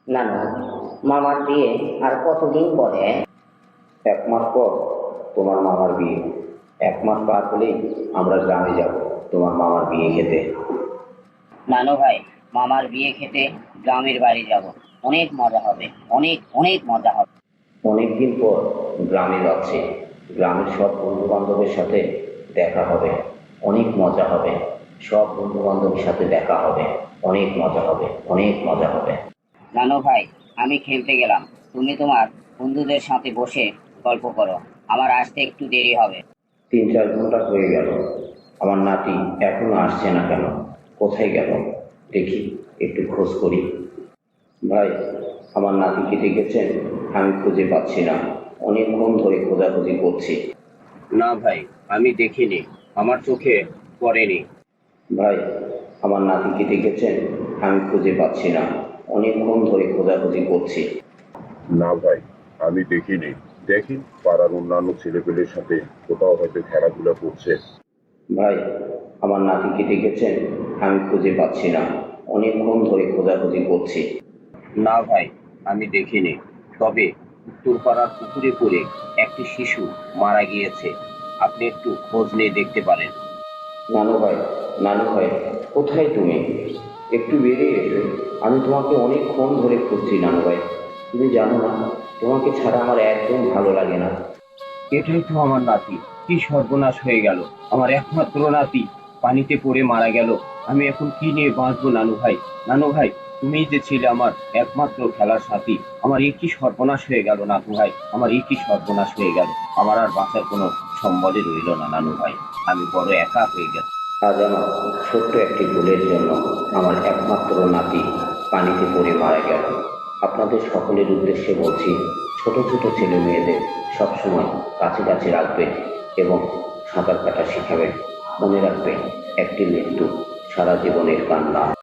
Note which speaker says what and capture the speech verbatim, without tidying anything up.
Speaker 1: নানু, মামার বিয়ে আর কতদিন পরে?
Speaker 2: এক মাস পর তোমার মামার বিয়ে। এক মাস পার হলেই আমরা গ্রামে যাব তোমার মামার বিয়ে খেতে।
Speaker 1: নানু ভাই, মামার বিয়ে খেতে গ্রামের বাড়ি যাব। অনেক মজা হবে, অনেক অনেক মজা হবে।
Speaker 2: অনেকদিন পর গ্রামে যাচ্ছি। গ্রামের সব বন্ধু বান্ধবের সাথে দেখা হবে, অনেক মজা হবে। সব বন্ধু বান্ধবের সাথে দেখা হবে, অনেক মজা হবে, অনেক মজা হবে।
Speaker 1: নানু ভাই, আমি খেলতে গেলাম। তুমি তোমার বন্ধুদের সাথে বসে গল্প করো। আমার আসতে একটু দেরি হবে।
Speaker 2: তিন চার ঘন্টা হয়ে গেল, আমার নাতি এখনো আসছে না কেন? কোথায় গেল? দেখি, একটু খোঁজ করি। ভাই, আমার নাতিকে দেখেছেন? আমি খুঁজে পাচ্ছি না, অনেকক্ষণ ধরে খোঁজাখুঁজি করছি।
Speaker 3: না ভাই, আমি দেখিনি, আমার চোখে পড়েনি।
Speaker 2: ভাই, আমার নাতিকে দেখেছেন? আমি খুঁজে পাচ্ছি না, অনেকক্ষণ ধরে খোঁজাখুঁজি করছি।
Speaker 4: না ভাই, আমি দেখিনি। দেখি পাড়ার অন্যান্য ছেলেপেলের সাথে কোথাও হয়তো খেলাধুলা করছে।
Speaker 2: ভাই, আমার নাতিকে দেখেছেন? আমি খুঁজে পাচ্ছি না, অনেকক্ষণ ধরে খোঁজাখুঁজি করছি।
Speaker 3: না ভাই, আমি দেখিনি। তবে উত্তরপাড়ার পুকুরে পড়ে একটি শিশু মারা গিয়েছে। আপনি একটু খোঁজ নিয়ে দেখতে পারেন।
Speaker 2: নানু ভাই, নানু ভাই, কোথায় তুমি? একটু বেরিয়ে এসো, আমি তোমাকে অনেকক্ষণ ধরে খুঁজছি নানু ভাই। তুমি জানো না, তোমাকে ছাড়া আমার একদম ভালো লাগে না।
Speaker 3: এটাই তো আমার নাতি। কি সর্বনাশ হয়ে গেল! আমার একমাত্র নাতি পানিতে পড়ে মারা গেল। আমি এখন কি নিয়ে বাঁচবো নানু ভাই? নানু ভাই, তুমি যে ছিলে আমার একমাত্র খেলার সাথী, আমার এ কি সর্বনাশ হয়ে গেল নানু ভাই! আমার এ কি সর্বনাশ হয়ে গেল! আমার আর বাঁচার কোনো সম্বলই রইল না নানু ভাই। আমি বড় একা হয়ে গেল।
Speaker 2: আজ আমার ছোট্ট একটি ভুলের জন্য আমার একমাত্র নাতি পানিতে পড়ে মারা গেল। আপনাদের সকলের উদ্দেশ্যে বলছি, ছোট ছোট ছেলে মেয়েদের সবসময় কাছে কাছে রাখবেন এবং সাঁতার কাটা শেখাবেন। মনে রাখবেন, একটি মৃত্যু সারা জীবনের কান্না।